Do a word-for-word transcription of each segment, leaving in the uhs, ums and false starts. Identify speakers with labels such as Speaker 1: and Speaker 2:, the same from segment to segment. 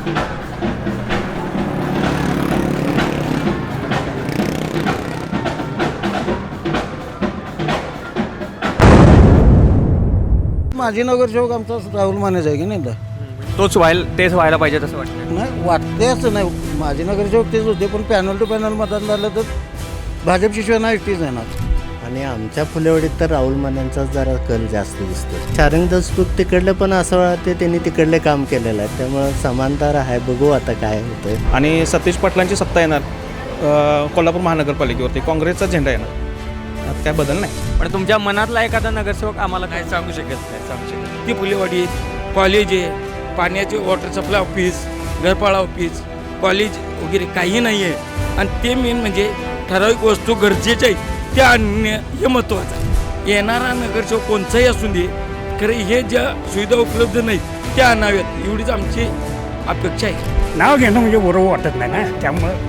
Speaker 1: माजी नगरसेवक आमचा राहुल मानेच आहे की नाही तर
Speaker 2: तोच व्हायला तेच व्हायला पाहिजे असं वाटतं.
Speaker 1: नाही वाटते असं नाही, माजी नगरसेवक तेच होते, पण पॅनल टू पॅनल मतदान झालं तर भाजप शिवसेना एकटीच येणार.
Speaker 3: आणि आमच्या फुलेवाडीत तर राहुल मानेंचाच जरा कल जास्त दिसतो. शारंग देशमुख तिकडले पण असं वाटते त्यांनी तिकडले काम केलेलं आहे, त्यामुळं समांतर आहे. बघू आता काय होतंय.
Speaker 4: आणि सतीश पाटलांची सत्ता येणार अ, कोल्हापूर महानगरपालिकेवरती काँग्रेसचा झेंडा येणार. आता काय बदल नाही.
Speaker 2: पण तुमच्या मनातला एखादा नगरसेवक आम्हाला काय
Speaker 5: सांगू शकत नाही सांगू शकत ती फुलेवाडी कॉलेज आहे, पाण्याचे वॉटर सप्लाय ऑफिस, घरपाळा ऑफिस, कॉलेज वगैरे काही नाही आहे. आणि ते मेन म्हणजे ठराविक वस्तू गरजेच्या आहेत त्या आणणे हे महत्त्वाचं आहे. येणारा नगरसेवक कोणताही असू दे, खरं हे ज्या सुविधा उपलब्ध नाहीत त्या आणाव्यात एवढीच आमची अपेक्षा आहे.
Speaker 6: नाव घेणं म्हणजे बरोबर वाटत नाही ना, त्यामुळं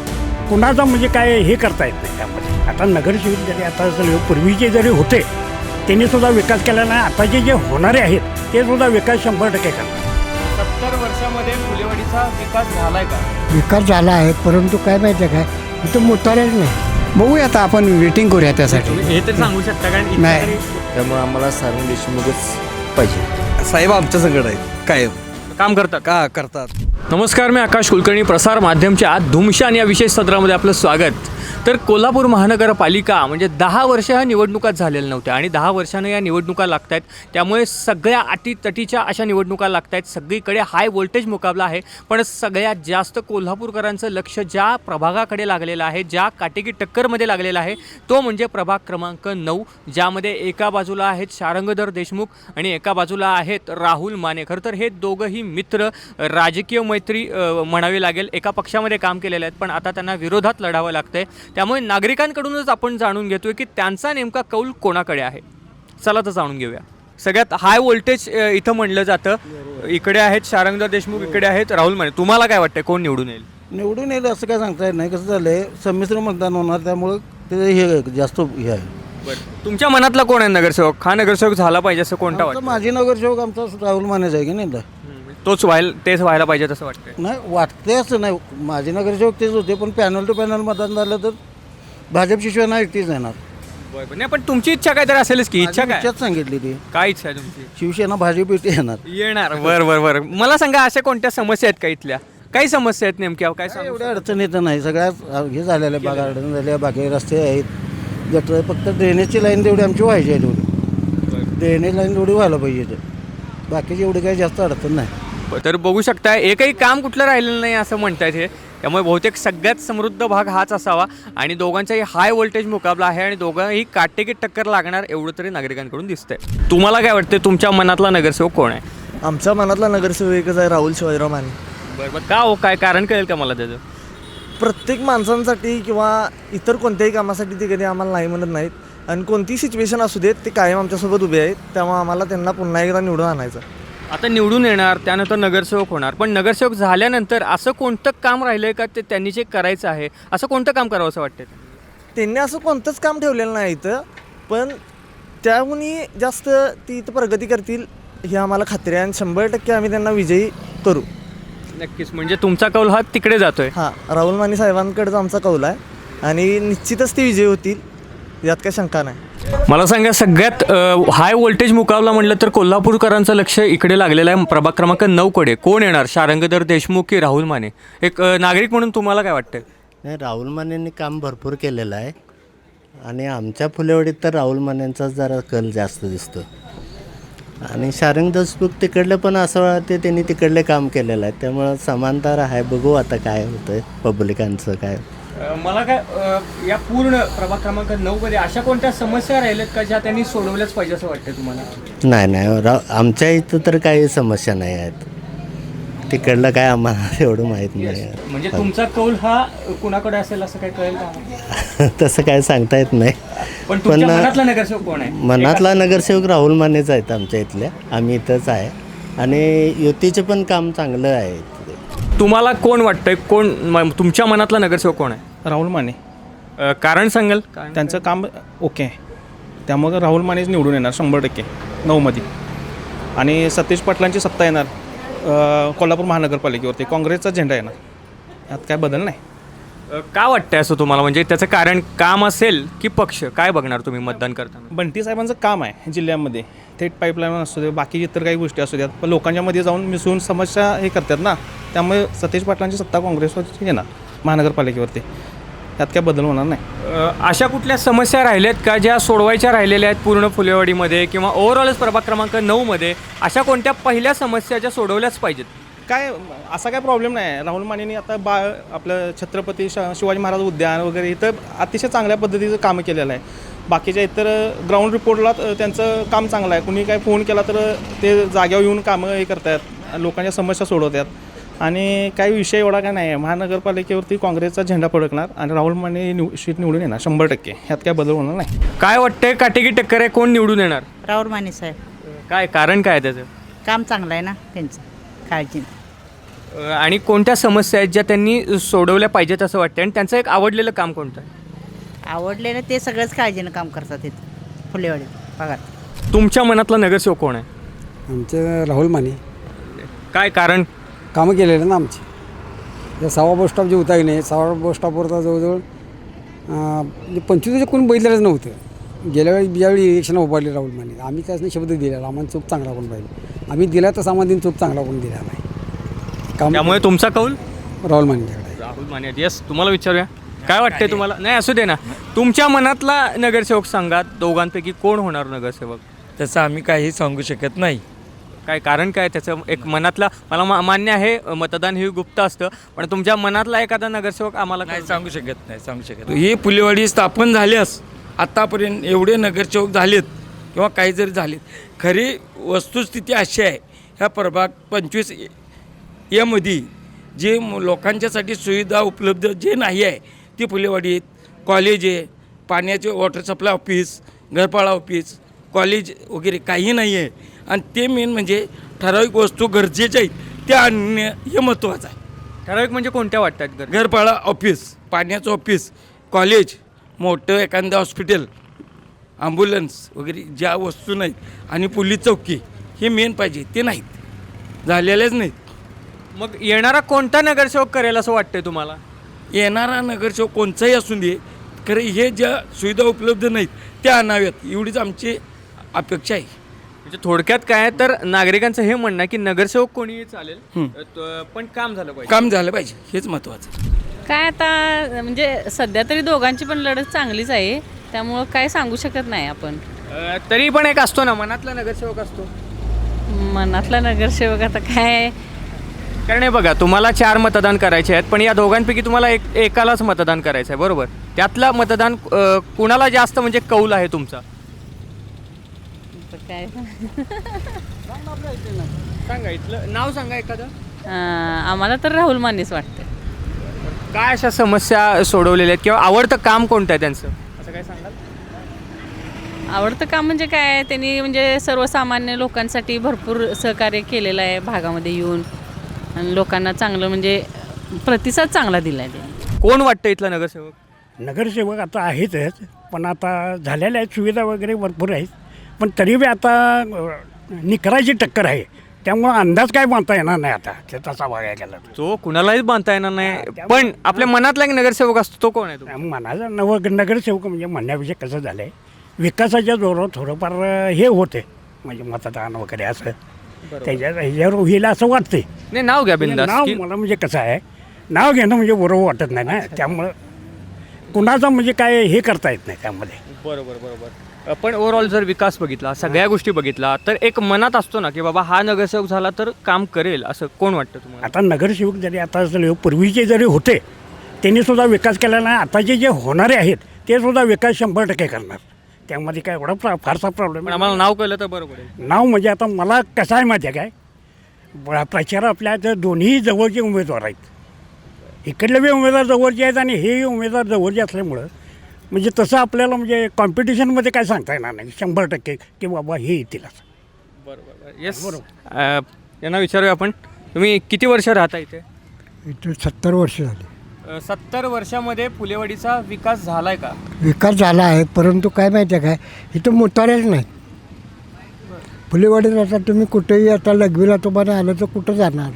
Speaker 6: कुणाचं म्हणजे काय हे करता येत नाही. त्यामध्ये आता नगरसेवक जरी आता जरी पूर्वीचे जरी होते त्यांनी सुद्धा विकास केला नाही, आताचे जे होणारे आहेत ते सुद्धा विकास शंभर टक्के करतात.
Speaker 2: सत्तर वर्षामध्ये फुलेवाडीचा विकास झालाय का?
Speaker 7: विकास झाला आहे, परंतु काय माहिती आहे काय, इथं मुतारच नाही.
Speaker 8: बघूया आता आपण वेटिंग करूया त्यासाठी.
Speaker 2: हे तर सांगू शकता कारण
Speaker 8: नाही.
Speaker 3: त्यामुळे आम्हाला शारंग देशमुखच पाहिजे.
Speaker 1: साहेब आमच्या संकट आहेत कायम
Speaker 2: काम करतात
Speaker 1: का करतात.
Speaker 2: नमस्कार, मी आकाश कुलकर्णी, प्रसार माध्यमच्या धुमशान या विशेष सत्रामध्ये आपलं स्वागत. तर कोल्हापूर महानगरपालिका म्हणजे दहा वर्ष ह्या निवडणुका झालेल्या नव्हत्या आणि दहा वर्षानं या निवडणुका लागत आहेत. त्यामुळे सगळ्या अटीतटीच्या अशा निवडणुका लागत आहेत. सगळीकडे हाय व्होल्टेज मुकाबला आहे. पण सगळ्यात जास्त कोल्हापूरकरांचं लक्ष ज्या प्रभागाकडे लागलेलं आहे, ज्या काटेकी टक्करमध्ये लागलेलं आहे, तो म्हणजे प्रभाग क्रमांक नऊ, ज्यामध्ये एका बाजूला आहेत शारंगधर देशमुख आणि एका बाजूला आहेत राहुल माने. खरं तर हे दोघंही मित्र, राजकीय मैत्री म्हणावी लागेल, एका पक्षामध्ये काम केलेले आहेत, पण आता त्यांना विरोधात लढावं लागतंय. त्यामुळे नागरिकांकडूनच आपण जाणून घेतोय की त्यांचा नेमका कौल कोणाकडे आहे. चला तर जाणून घेऊया. सगळ्यात हाय व्होल्टेज इथं म्हणलं जातं. इकडे आहेत शारंगधर देशमुख, इकडे आहेत राहुल माने. तुम्हाला काय वाटतं कोण निवडून येईल?
Speaker 1: निवडून येईल असं काय सांगता येत नाही. कसं झालं आहे, संमिश्र मतदान होणार, त्यामुळं ते हे जास्त हे आहे.
Speaker 2: बरं, तुमच्या मनातला कोण आहे नगरसेवक? हा नगरसेवक झाला पाहिजे असं कोणता
Speaker 1: आमचा
Speaker 2: वाटतं?
Speaker 1: माजी नगरसेवक आमचा राहुल मानेच आहे की नाही तर
Speaker 2: तोच व्हायला तेच व्हायला पाहिजे असं वाटतं.
Speaker 1: नाही वाटते असं नाही, माजी नगरसेवक तेच होते, पण पॅनल टू पॅनल मतदान झालं तर भाजप शिवसेना एकटीच येणार.
Speaker 2: बरं, नाही पण तुमची इच्छा काय तर असेलच की. इच्छा काय
Speaker 1: इच्छाच सांगितली ती,
Speaker 2: काय इच्छा आहे तुमची?
Speaker 1: शिवसेना भाजप एकटी येणार.
Speaker 2: येणार. बरं बरं बरं, मला सांगा अशा कोणत्या समस्या आहेत का इथल्या? काही समस्या आहेत नेमक्या काय
Speaker 1: काय
Speaker 2: सांगू
Speaker 1: एवढ्या अडचण येतं नाही, सगळ्यात हे झालेलं आहे. बागा अडचण झाल्या, बाकी रस्ते आहेत, गटर, फक्त ड्रेनेजची लाईन तेवढी आमची व्हायची आहे. तेवढी ड्रेनेज लाईन तेवढी व्हायला पाहिजे, तर बाकीची एवढी काही जास्त अडचण नाही.
Speaker 2: तर बघू शकता एकही काम कुठलं राहिलेलं नाही असं म्हणतायत हे. त्यामुळे बहुतेक सगळ्यात समृद्ध भाग हाच असावा आणि दोघांचाही हाय व्होल्टेज मुकाबला आहे आणि दोघंही काटेकी टक्कर लागणार एवढं तरी नागरिकांकडून दिसतंय. तुम्हाला काय वाटतं, तुमच्या मनातला नगरसेवक कोण आहे?
Speaker 3: आमच्या मनातला नगरसेवक एकच आहे, राहुल शिवाजीराव माने.
Speaker 2: बरं बरं, का हो, काय कारण कळेल का मला त्याचं?
Speaker 3: प्रत्येक माणसांसाठी किंवा इतर कोणत्याही कामासाठी ते कधी आम्हाला नाही म्हणत नाहीत. आणि कोणतीही सिच्युएशन असू देत ते कायम आमच्यासोबत उभे आहेत. त्यामुळे आम्हाला त्यांना पुन्हा एकदा निवडून आणायचं.
Speaker 2: आता निवडून येणार, त्यानंतर नगरसेवक होणार, पण नगरसेवक झाल्यानंतर असं कोणतं काम राहिलं आहे का ते त्यांनी जे करायचं आहे, असं कोणतं काम करावं असं वाटतं?
Speaker 3: त्यांनी असं कोणतंच काम ठेवलेलं नाही इथं, पण त्याहूनही जास्त ती इथं प्रगती करतील ही आम्हाला खात्री आहे आणि शंभर टक्के आम्ही त्यांना विजयी करू.
Speaker 2: नक्कीच, म्हणजे तुमचा कौल हा तिकडे जातोय.
Speaker 3: हां, राहुल माने साहेबांकडचा आमचा कौल आहे आणि निश्चितच ते विजयी होतील, यात काही शंका नाही.
Speaker 2: मला सांगा, सगळ्यात हाय व्होल्टेज मुकाबला म्हटलं तर कोल्हापूरकरांचं लक्ष इकडे लागलेलं आहे. प्रभाग क्रमांक नऊकडे कोण येणार, शारंगधर देशमुख की राहुल माने? एक अ, नागरिक म्हणून तुम्हाला काय वाटतं?
Speaker 3: नाही, राहुल मानेंनी काम भरपूर केलेलं आहे आणि आमच्या फुलेवाडीत तर राहुल मानेंचाच जरा कल जास्त दिसतो. आणि शारंग देशमुख तिकडले पण असं वाटते त्यांनी तिकडले काम केलेलं आहे, त्यामुळं समांतर आहे. बघू आता काय होतं पब्लिकांचं काय.
Speaker 2: मला काय या पूर्ण प्रभाग क्रमांक नऊ मध्ये अशा कोणत्या समस्या राहिल्यात का ज्या त्यांनी सोडवल्याच पाहिजे असं वाटतं तुम्हाला?
Speaker 3: नाही नाही, रा आमच्या इथं तर काही समस्या नाही आहेत. तिकडलं काय आम्हाला एवढं माहीत नाही.
Speaker 2: म्हणजे तुमचा कौल हा कुणाकडे असेल असं काय कळेल का?
Speaker 3: तसं काय सांगता येत नाही.
Speaker 2: पण तुमच्या मनातला नगरसेवक कोण आहे?
Speaker 3: मनातला नगरसेवक राहुल मानेच आहेत आमच्या इथल्या. आम्ही इथंच आहे आणि युतीचे पण काम चांगलं आहे.
Speaker 2: तुम्हाला कोण वाटतंय, कोण म- तुमच्या मनातला नगरसेवक कोण आहे?
Speaker 4: राहुल माने,
Speaker 2: अ, कारण सांगाल?
Speaker 4: त्यांचं काम ओके आहे, त्यामुळं राहुल मानेच निवडून येणार शंभर टक्के नऊमध्ये. आणि सतीश पाटलांची सत्ता येणार अ, कोल्हापूर महानगरपालिकेवरती काँग्रेसचा झेंडा येणार. यात काय बदल नाही.
Speaker 2: अ, का वाटतंय असं तुम्हाला? म्हणजे त्याचं कारण काम असेल की पक्ष? काय बघणार तुम्ही मतदान करताना?
Speaker 4: बंटी साहेबांचं काम आहे जिल्ह्यामध्ये, थेट पाईपलाईन असू दे, बाकी इतर काही गोष्टी असू द्यात, पण लोकांच्यामध्ये जाऊन मिसळून समस्या हे करतात ना, त्यामुळे सतेज पाटलांची सत्ता काँग्रेसवरती येणार महानगरपालिकेवरती. यात काय बदल होणार नाही.
Speaker 2: अ, अशा कुठल्या समस्या राहिल्यात का ज्या सोडवायच्या राहिलेल्या आहेत पूर्ण फुलेवाडीमध्ये किंवा ओव्हरऑलच प्रभाग क्रमांक नऊमध्ये? अशा कोणत्या पहिल्या समस्या ज्या सोडवल्याच पाहिजेत?
Speaker 4: काय असा काय प्रॉब्लेम नाही. राहुल मानेंनी आता बा आपलं छत्रपती श शिवाजी महाराज उद्यान वगैरे इथं अतिशय चांगल्या पद्धतीचं काम केलेलं आहे. बाकीच्या इतर ग्राउंड रिपोर्टला त्यांचं काम चांगलं आहे. कुणी काय फोन केला तर ते जाग्यावर येऊन कामं हे करतात, लोकांच्या समस्या सोडवतात. आणि काही विषय एवढा काय नाही आहे. महानगरपालिकेवरती काँग्रेसचा झेंडा फडकणार आणि राहुल माने निव शीट निवडून येणार शंभर टक्के. ह्यात काय बदल होणार नाही.
Speaker 2: काय वाटतंय काटेकी टक्कर आहे, कोण निवडून येणार?
Speaker 9: राहुल माने साहेब.
Speaker 2: काय कारण काय आहे त्याचं?
Speaker 9: काम चांगलं आहे ना त्यांचं, काळजी नाही.
Speaker 2: अ, आणि कोणत्या समस्या आहेत ज्या त्यांनी सोडवल्या पाहिजेत असं वाटतं? आणि त्यांचं एक आवडलेलं काम कोणतं आहे?
Speaker 9: आवडलेलं ते सगळंच काळजीनं काम करतात इथं फुलेवाडी भागात.
Speaker 2: तुमच्या मनातला नगरसेवक कोण आहे?
Speaker 8: आमचे राहुल माने.
Speaker 2: काय कारण?
Speaker 8: कामं केलेलं ना आमची. त्या सहावा बस स्टॉप जे होता की नाही, सहावा बस स्टॉपवरता जवळजवळ म्हणजे पंचवीस कोणी बघितलेलंच नव्हतं. गेल्या वेळी ज्यावेळी इलेक्शन उभारले राहुल माने, आम्ही त्यासनी शब्द दिलेला आम्हाला चूक चांगला पण पाहिजे. आम्ही दिला तर सामान्य चूक चांगला पण दिला नाही. काम
Speaker 2: त्यामुळे तुमचा कौल
Speaker 8: राहुल मानेच्याकडे.
Speaker 2: राहुल माने. यस, तुम्हाला विचारूया काय वाटतंय तुम्हाला? नाही असू दे ना, तुमच्या मनातला नगरसेवक सांगा. दोघांपैकी कोण होणार नगरसेवक?
Speaker 5: तसं आम्ही काही सांगू शकत नाही.
Speaker 2: काय कारण काय त्याचं? एक मनातला मला मा मान्य आहे मतदान हे गुप्त असतं, पण तुमच्या मनातला एखादा नगरसेवक आम्हाला
Speaker 5: नाही सांगू शकत नाही सांगू शकत ही फुलेवाडी स्थापन झाल्यास आत्तापर्यंत एवढे नगरसेवक झालेत किंवा काही जरी झालेत, खरी वस्तुस्थिती अशी आहे ह्या प्रभाग पंचवीस यामध्ये जे लोकांच्यासाठी सुविधा उपलब्ध जे नाही आहे ती फुलेवाडीत कॉलेज आहे, पाण्याचे वॉटर सप्लाय ऑफिस, घरपाळा ऑफिस, कॉलेज वगैरे काही नाही आहे. आणि ते मेन म्हणजे ठराविक वस्तू गरजेच्या आहेत त्या आणणे हे महत्त्वाचं आहे.
Speaker 2: ठराविक म्हणजे कोणत्या वाटतात? घर
Speaker 5: घरपाळा ऑफिस, पाण्याचं ऑफिस, कॉलेज, मोठं एखादं हॉस्पिटल, ॲम्ब्युलन्स वगैरे ज्या वस्तू नाहीत आणि पोलीस चौकी हे मेन पाहिजे, ते नाहीत, झालेलेच नाहीत.
Speaker 2: मग येणारा कोणता नगरसेवक करेल असं वाटतंय तुम्हाला?
Speaker 5: येणारा नगरसेवक कोणचाही असून दे, खरं हे ज्या सुविधा उपलब्ध नाहीत त्या आणाव्यात एवढीच आमची अपेक्षा आहे.
Speaker 2: म्हणजे थोडक्यात काय आहे तर नागरिकांचं हे म्हणणं आहे की नगरसेवक कोणीही चालेल, त- पण काम झालं पाहिजे.
Speaker 5: काम झालं पाहिजे हेच महत्त्वाचं.
Speaker 10: काय आता म्हणजे सध्या तरी दोघांची पण लढत चांगलीच आहे, त्यामुळं काय सांगू शकत नाही आपण.
Speaker 2: अ, तरी पण एक असतो ना मनातला नगरसेवक असतो.
Speaker 10: मनातला नगरसेवक आता काय,
Speaker 2: कारण हे बघा, तुम्हाला चार मतदान करायचे आहेत, पण या दोघांपैकी तुम्हाला एक एकालाच मतदान करायचं आहे, बरोबर? त्यातला मतदान अ, कुणाला जास्त म्हणजे कौल आहे तुमचा?
Speaker 10: काय
Speaker 2: सांगा, इथलं नाव सांगा एखादं.
Speaker 10: अं, आम्हाला तर राहुल मानेच वाटतं.
Speaker 2: काय अशा समस्या सोडवलेल्या आहेत किंवा आवडतं काम कोणतं आहे त्यांचं असं काय सांगाल?
Speaker 10: आवडतं काम म्हणजे काय, त्यांनी म्हणजे सर्वसामान्य लोकांसाठी भरपूर सहकार्य केलेलं आहे भागामध्ये येऊन, आणि लोकांना चांगलं म्हणजे प्रतिसाद चांगला दिला आहे त्यांनी.
Speaker 2: कोण वाटतं इथला नगरसेवक?
Speaker 6: नगरसेवक आता आहेतच, पण आता झालेल्या आहेत, सुविधा वगैरे भरपूर आहेत, पण तरी बी आता अ, निकराची टक्कर आहे, त्यामुळं अंदाज काय बांधता येणार नाही आता ते तसा बघायला गेला तर.
Speaker 2: तो कुणालाही बांधता येणार नाही, पण आपल्या मनातला एक नगरसेवक असतो, तो कोण आहे तो?
Speaker 6: मनाचा नव नगरसेवक म्हणजे म्हणण्याविषयी कसं झालं आहे, विकासाच्या जोरावर थोडंफार हे होते म्हणजे मतदान वगैरे असं त्याच्या ह्याच्यावर होईल असं वाटते.
Speaker 2: नाही, नाव घ्या बिंदास.
Speaker 6: नाव मला म्हणजे कसं आहे, नाव घेणं म्हणजे बरोबर वाटत नाही ना, त्यामुळं कुणाचं म्हणजे काय हे करता येत नाही त्यामध्ये.
Speaker 2: बरोबर बरोबर. पण ओव्हरऑल जर विकास बघितला, सगळ्या गोष्टी बघितला, तर एक मनात असतो ना की बाबा हा नगरसेवक झाला तर काम करेल, असं कोण वाटतं तुम्हाला?
Speaker 6: आता नगरसेवक जरी आता असले पूर्वीचे जरी होते त्यांनी सुद्धा विकास केला नाही, आताचे जे होणारे आहेत ते सुद्धा विकास शंभर टक्के करणार, त्यामध्ये काय एवढा प्रा फारसा प्रॉब्लेम.
Speaker 2: पण आम्हाला नाव कळलं तर बरोबर आहे.
Speaker 6: नाव म्हणजे आता मला कसं आहे माहिती आहे काय, ब- प्रचार आपल्या तर दोन्ही जवळचे उमेदवार आहेत, इकडले बी उमेदवार जवळचे आहेत आणि हे उमेदवार जवळचे असल्यामुळं म्हणजे तसं आपल्याला म्हणजे कॉम्पिटिशनमध्ये काय सांगता येणार नाही शंभर टक्के की बाबा हे येतील असं.
Speaker 2: बरोबर. येस, यांना विचारूया आपण. तुम्ही किती वर्ष राहता इथे?
Speaker 7: इथे सत्तर वर्ष झाली.
Speaker 2: अ, सत्तर वर्षामध्ये फुलेवाडीचा विकास झालाय का?
Speaker 7: विकास झाला आहे, परंतु काय माहिती आहे काय, इथं मोतारेच नाहीत. फुलेवाडीत आता तुम्ही कुठेही आता लघवीला तुम्हाला आलं तर कुठं जाणार.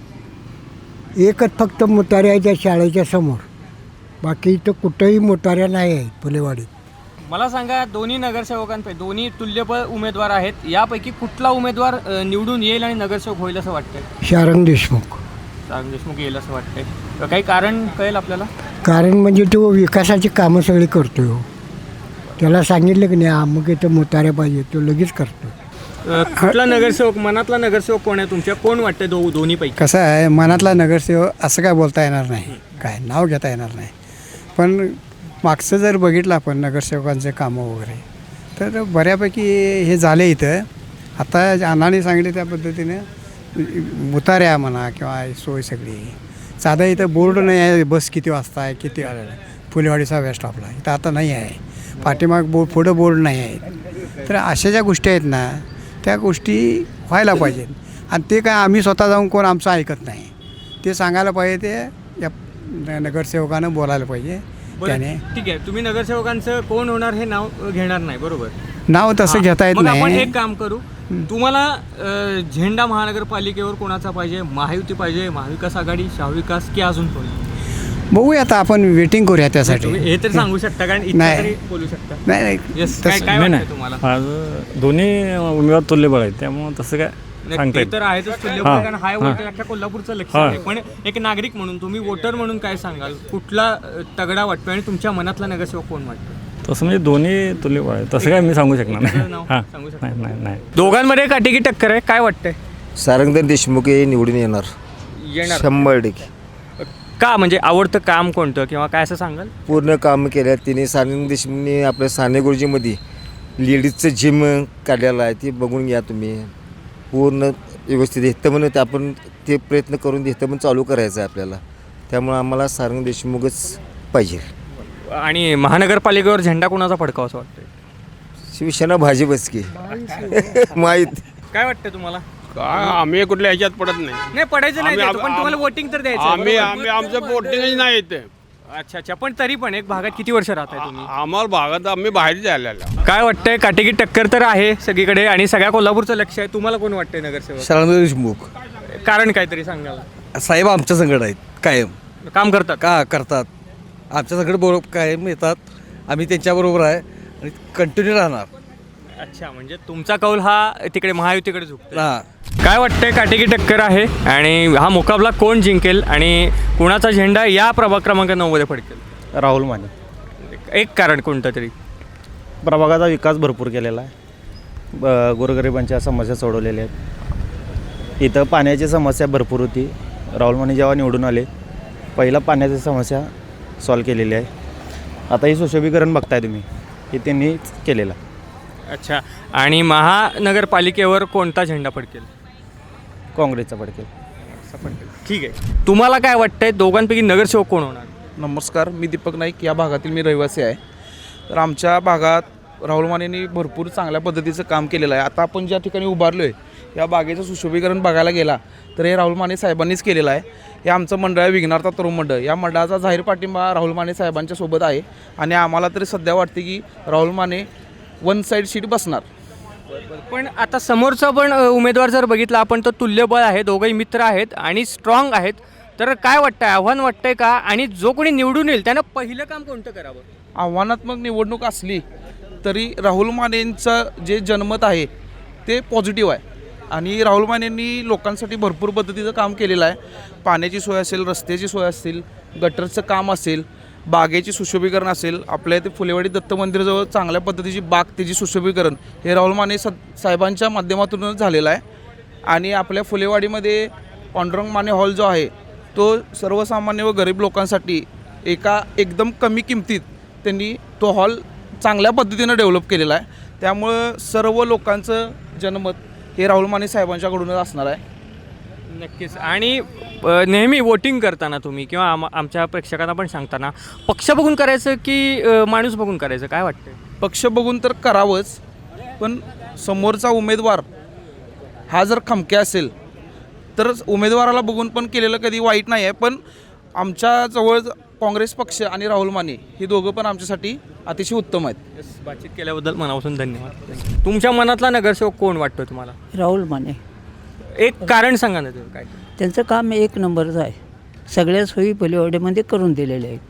Speaker 7: एकच फक्त मोटारी आहे त्या शाळेच्या समोर, बाकी इथं कुठंही मोटाऱ्या नाही आहेत फुलेवाडीत.
Speaker 2: मला सांगा, दोन्ही नगरसेवकांपैकी दोन्ही तुल्यबळ उमेदवार आहेत, यापैकी कुठला उमेदवार अ, निवडून येईल आणि नगरसेवक होईल असं वाटतंय?
Speaker 7: शारंग देशमुख.
Speaker 2: शारंग देशमुख येईल असं वाटतंय. तर काही कारण कळेल आपल्याला?
Speaker 7: कारण म्हणजे तो विकासाची कामं सगळी करतो हो. त्याला सांगितलं की नाही अमुक इथं मोटाऱ्या पाहिजे, तो लगेच करतो.
Speaker 2: अ, कुठला नगरसेवक, मनातला नगरसेवक कोण आहे तुमच्या? कोण वाटतंय दो दोन्हीपैकी?
Speaker 8: कसं आहे, मनातला नगरसेवक असं काय बोलता येणार नाही, काय नाव घेता येणार नाही. पण मागचं जर बघितलं आपण नगरसेवकांचे कामं वगैरे, तर बऱ्यापैकी हे झाले इथं. आता अण्णांनी सांगितले त्या पद्धतीने मुताऱ्या म्हणा किंवा सोय सगळी. साधा इथं बोर्ड नाही आहे, बस किती वाजता आहे, किती फुलेवाडीचा बस स्टॉपला, इथं आता नाही आहे. पाठीमाग बोर्ड, पुढं बोर्ड नाही आहेत. तर अशा ज्या गोष्टी आहेत ना, त्या गोष्टी व्हायला पाहिजेत. आणि ते काय आम्ही स्वतः जाऊन कोण आमचं ऐकत नाही, ते सांगायला पाहिजे, ते या नगरसेवकानं बोलायला पाहिजे. त्याने
Speaker 2: ठीक आहे, तुम्ही नगरसेवकांचं कोण होणार हे नाव घेणार नाही, बरोबर?
Speaker 8: नाव तसं घेता येत
Speaker 2: मग आपण
Speaker 8: नाही.
Speaker 2: एक काम करू, तुम्हाला अ, झेंडा महानगरपालिकेवर कोणाचा पाहिजे? महायुती पाहिजे, महाविकास आघाडी, शाहविकास की अजून कोण?
Speaker 8: बघूया, आता आपण वेटिंग करूया त्यासाठी.
Speaker 2: तुम्ही हे तर सांगू शकता, कारण इतकं
Speaker 8: नाही.
Speaker 2: तरी बोलू शकता.
Speaker 8: नाही नाही
Speaker 2: Yes, काय काय वाटतं तुम्हाला?
Speaker 11: माझं दोन्ही उमेदवार तुल्यबळ आहेत, त्यामुळं तसं काय
Speaker 2: नाही,
Speaker 11: सांगता
Speaker 2: ते
Speaker 11: येत
Speaker 2: तर आहेच तुल्यबळ,
Speaker 11: हां,
Speaker 2: कारण हाय वोटर अख्ख्या कोल्हापूरचं लक्ष
Speaker 11: हां.
Speaker 2: आहे. पण एक नागरिक म्हणून, तुम्ही वोटर म्हणून काय सांगाल? कुठला अ, तगडा वाटतो आणि तुमच्या मनातला नगरसेवक कोण वाटतो?
Speaker 11: तसं म्हणजे दोन्ही तुल्यबळ आहे, तसं काय मी सांगू शकणार नाही.
Speaker 2: नाव
Speaker 11: हां,
Speaker 2: सांगू शकता?
Speaker 11: नाही नाही नाही
Speaker 2: दोघांमध्ये काटेकी टक्कर आहे, काय वाटतंय?
Speaker 1: सारंगधर देशमुख हे निवडून येणार
Speaker 2: येणार
Speaker 1: शंभर टक्के.
Speaker 2: का, म्हणजे आवडतं काम कोणतं किंवा काय असं सांगाल?
Speaker 1: पूर्ण काम केलं तिने. सारंग देशमुखने आपल्या साने गुरुजीमध्ये लेडीजचं जिम काढलेलं आहे, ते बघून घ्या तुम्ही. पूर्ण व्यवस्थित इथं म्हणून ते आपण ते प्रयत्न करून इथं पण चालू करायचं आहे आपल्याला. त्यामुळं आम्हाला सारंग देशमुखच पाहिजे.
Speaker 2: आणि महानगरपालिकेवर झेंडा कोणाचा फडकावा असं वाटतंय?
Speaker 1: शिवसेना भाजपच की माहीत.
Speaker 2: काय वाटतं तुम्हाला?
Speaker 12: आम्ही कुठल्या ह्याच्यात पडत नाही.
Speaker 2: नाही पडायचं नाही,
Speaker 12: आम्ही-
Speaker 2: द्यायचं, पण तुम्हाला वोटिंग तर द्यायचं आहे,
Speaker 12: आम्ही
Speaker 2: बरोबर?
Speaker 12: आम्ही आमचं वोटिंगच नाही येते.
Speaker 2: अच्छा अच्छा, पण तरी पण एक भागात किती वर्ष राहताय तुम्ही?
Speaker 12: आम्हाला भागात आम्ही बाहेर जायला.
Speaker 2: काय वाटतंय? काटेकी टक्कर तर आहे सगळीकडे आणि सगळ्या कोल्हापूरचं लक्ष आहे. तुम्हाला कोण वाटतंय नगरसेवक?
Speaker 1: सारंग देशमुख
Speaker 2: कारण काहीतरी सांगाल?
Speaker 1: साहेब आमच्या संकट आहेत, कायम
Speaker 2: काम करतात
Speaker 1: का करतात आमच्या संकट बरोबर कायम येतात. आम्ही त्यांच्याबरोबर आहे आणि कंटिन्यू राहणार.
Speaker 2: अच्छा, म्हणजे तुमचा कौल हा तिकडे महायुतीकडे झुकतो.
Speaker 1: हां.
Speaker 2: काय वाटतंय? काटेकी टक्कर आहे आणि हा मुकाबला कोण जिंकेल आणि कुणाचा झेंडा या प्रभाग क्रमांक नऊ मध्ये फडकेल?
Speaker 4: राहुल माने.
Speaker 2: एक कारण कोणतं तरी?
Speaker 4: प्रभागाचा विकास भरपूर केलेला आहे, ब गोरगरिबांच्या समस्या सोडवलेल्या आहेत. इथं पाण्याची समस्या भरपूर होती. राहुल माने जेव्हा निवडून आले, पहिला पाण्याची समस्या सॉल्व केलेली आहे. आता ही सुशोभीकरण बघताय तुम्ही, हे त्यांनीच केलेलं आहे.
Speaker 2: अच्छा, आणि महानगरपालिकेवर कोणता झेंडा फडकेल?
Speaker 4: काँग्रेसचा पडकेल.
Speaker 2: ठीक आहे, तुम्हाला काय वाटतंय दोघांपैकी नगरसेवक कोण होणार?
Speaker 13: नमस्कार, मी दीपक नाईक, या भागातील मी रहिवासी आहे. तर आमच्या भागात राहुल मानेंनी भरपूर चांगल्या पद्धतीचं काम केलेलं आहे. आता आपण ज्या ठिकाणी उभारलो आहे, या बागेचं सुशोभीकरण बघायला गेला तर हे राहुल माने साहेबांनीच केलेलं आहे. हे आमचं मंडळ आहे विघ्नार्थ तरुण मंडळ. या मंडळाचा जाहीर पाठिंबा राहुल माने साहेबांच्या सोबत आहे आणि आम्हाला तरी सध्या वाटते की Rahul Mane one side seat बसणार.
Speaker 2: पण आता समोरचा पण अ, उमेदवार जर बघितला आपण तर तुल्यबळ आहे, दोघंही मित्र आहेत आणि स्ट्रॉंग आहेत. तर काय वाटतंय, आव्हान वाटतंय का? आणि जो कोणी निवडून येईल त्यानं पहिलं काम कोणतं करावं?
Speaker 13: आव्हानात्मक निवडणूक असली तरी राहुल मानेंचं जे जनमत आहे ते पॉझिटिव्ह आहे आणि राहुल मानेंनी लोकांसाठी भरपूर पद्धतीचं काम केलेलं आहे. पाण्याची सोय असेल, रस्त्याची सोय असेल, गटरचं काम असेल, बागेची सुशोभीकरण असेल. आपल्या इथे फुलेवाडी दत्त मंदिराजवळ चांगल्या पद्धतीची बाग, त्याची सुशोभीकरण हे राहुल माने स साहेबांच्या माध्यमातूनच झालेलं आहे. आणि आपल्या फुलेवाडीमध्ये पांडुरंग माने हॉल जो आहे तो सर्वसामान्य व गरीब लोकांसाठी एका एकदम कमी किमतीत त्यांनी तो हॉल चांगल्या पद्धतीनं डेव्हलप केलेला आहे. त्यामुळं सर्व लोकांचं जनमत हे राहुल माने साहेबांच्याकडूनच असणार आहे.
Speaker 2: नक्कीच. आणि अ, नेहमी वोटिंग करताना तुम्ही किंवा आम आमच्या प्रेक्षकांना पण सांगताना पक्ष बघून करायचं की अ, माणूस बघून करायचं, काय वाटतं?
Speaker 13: पक्ष बघून तर करावंच, पण समोरचा उमेदवार हा जर खमक्या असेल तर उमेदवाराला बघून पण केलेलं कधी वाईट नाही आहे. पण आमच्याजवळ काँग्रेस पक्ष आणि राहुल माने हे दोघं पण आमच्यासाठी अतिशय उत्तम आहेत.
Speaker 2: बातचीत केल्याबद्दल मनापासून धन्यवाद. तुमच्या मनातला नगरसेवक कोण वाटतो तुम्हाला?
Speaker 14: राहुल माने.
Speaker 2: एक कारण सांगा ना तुम्ही काय.
Speaker 14: त्यांचं काम एक नंबरचं आहे. सगळ्या सोयी फुलेवाडीमध्ये करून दिलेले आहेत.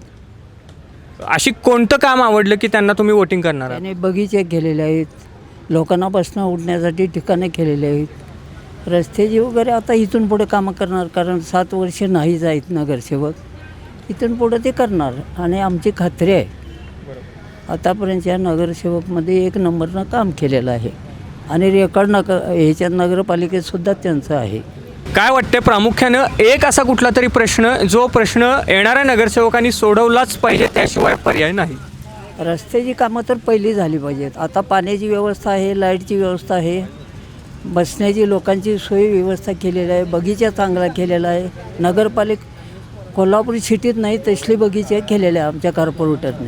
Speaker 2: अशी कोणतं काम आवडलं की त्यांना तुम्ही वोटिंग करणार आहात?
Speaker 14: त्याने बगीचे केलेले आहेत, लोकांना बसणं उठण्यासाठी ठिकाणे केलेले आहेत, रस्त्याची वगैरे आता इथून पुढे कामं करणार, कारण सात वर्ष नाहीच आहेत नगरसेवक, इथून पुढे ते करणार आणि आमची खात्री आहे. आतापर्यंतच्या नगरसेवकमध्ये एक नंबरनं काम केलेलं आहे आणि रेकॉर्ड नक ह्याच्यात नगरपालिकेतसुद्धा त्यांचं आहे.
Speaker 2: काय वाटते प्रामुख्यानं एक असा कुठला तरी प्रश्न जो प्रश्न येणाऱ्या नगरसेवकांनी सोडवलाच पाहिजे, त्याशिवाय पर्याय नाही?
Speaker 14: रस्त्याची कामं तर पहिली झाली पाहिजेत. आता पाण्याची व्यवस्था आहे, लाईटची व्यवस्था आहे, बसण्याची लोकांची सोयी व्यवस्था केलेली आहे, बगीचा चांगला केलेला आहे. नगरपालिक कोल्हापूर सिटीत नाही तसली बगीचे केलेले आहे आमच्या कॉर्पोरेटरने.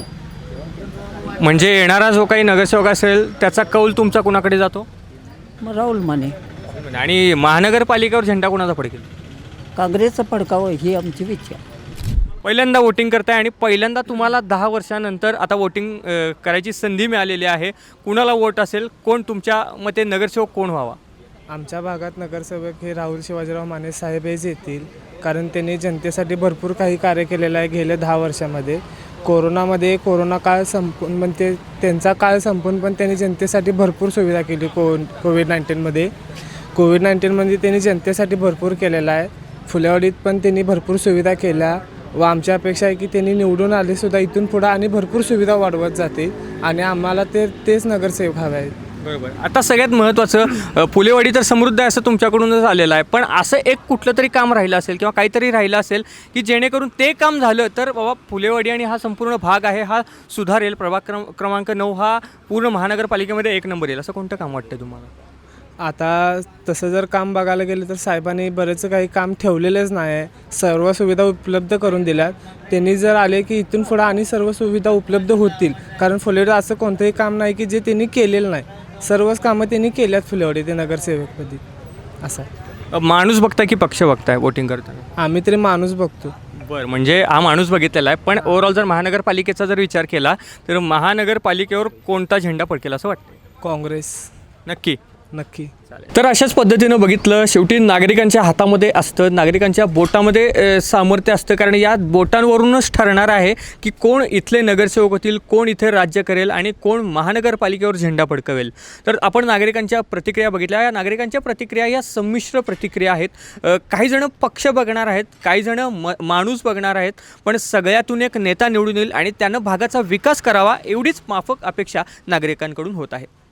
Speaker 2: म्हणजे येणारा जो काही नगरसेवक असेल त्याचा कौल तुमचा कुणाकडे जातो?
Speaker 14: मग राहुल माने.
Speaker 2: आणि महानगरपालिकेवर झेंडा कुणाचा फडकेल?
Speaker 14: काँग्रेसचं फडकावं ही आमची इच्छा.
Speaker 2: पहिल्यांदा वोटिंग करताय आणि पहिल्यांदा तुम्हाला दहा वर्षानंतर आता वोटिंग करायची संधी मिळालेली आहे. कुणाला वोट असेल? कोण तुमच्या मते नगरसेवक कोण व्हावा?
Speaker 4: आमच्या भागात नगरसेवक हे राहुल शिवाजीराव माने साहेब हेच येतील, कारण त्यांनी जनतेसाठी भरपूर काही कार्य केलेलं आहे गेल्या दहा वर्षामध्ये. कोरोनामध्ये कोरोना काळ संपून म्हणजे त्यांचा काळ संपून पण त्यांनी जनतेसाठी भरपूर सुविधा केली. को कोविड नाईन्टीनमध्ये कोविड नाईन्टीनमध्ये त्यांनी जनतेसाठी भरपूर केलेला आहे. फुलेवाडीत पण त्यांनी भरपूर सुविधा केल्या व आमच्या अपेक्षा आहे की त्यांनी निवडून आलेसुद्धा इथून पुढं आणि भरपूर सुविधा वाढवत जाते आणि आम्हाला ते तेच नगरसेवक हवे आहेत.
Speaker 2: बरोबर. आता सगळ्यात महत्त्वाचं, फुलेवाडी तर समृद्ध आहे असं तुमच्याकडूनच आलेलं आहे, पण असं एक कुठलं तरी काम राहिलं असेल किंवा काहीतरी राहिलं असेल की जेणेकरून ते काम झालं तर बाबा फुलेवाडी आणि हा संपूर्ण भाग आहे हा सुधारेल, प्रभाग क्रम क्रमांक नऊ हा पूर्ण महानगरपालिकेमध्ये एक नंबर येईल, असं कोणतं काम वाटतं तुम्हाला?
Speaker 4: आता तसं जर काम बघायला गेलं तर साहेबांनी बरेच काही काम ठेवलेलंच नाही आहे. सर्व सुविधा उपलब्ध करून दिल्यात. त्यांनी जर आले की इथून पुढं आणि सर्व सुविधा उपलब्ध होतील, कारण फुलेवाडी असं कोणतंही काम नाही की जे त्यांनी केलेलं नाही. सर्वच कामं त्यांनी केल्यात फुलेवाडी ते नगरसेवकमध्ये. असं
Speaker 2: माणूस बघताय की पक्ष बघताय वोटिंग करताना?
Speaker 4: आम्ही तरी माणूस बघतो.
Speaker 2: बरं, म्हणजे हा माणूस बघितलेला आहे, पण ओव्हरऑल जर महानगरपालिकेचा जर विचार केला तर महानगरपालिकेवर कोणता झेंडा फडकेल असं वाटतं?
Speaker 4: काँग्रेस.
Speaker 2: नक्की
Speaker 4: नक्की.
Speaker 2: तर अशाच पद्धतीनं बघितलं, शेवटी नागरिकांच्या हातामध्ये असतं, नागरिकांच्या बोटामध्ये सामर्थ्य असतं, कारण या बोटांवरूनच ठरणार आहे की कोण इथले नगरसेवक होतील, कोण इथे राज्य करेल आणि कोण महानगरपालिकेवर झेंडा फडकवेल. तर आपण नागरिकांच्या प्रतिक्रिया बघितल्या. या नागरिकांच्या प्रतिक्रिया या संमिश्र प्रतिक्रिया आहेत. काही जण पक्ष बघणार आहेत, काही जण म माणूस बघणार आहेत, पण सगळ्यातून एक नेता निवडून येईल आणि त्यानं भागाचा विकास करावा एवढीच माफक अपेक्षा नागरिकांकडून होत आहे.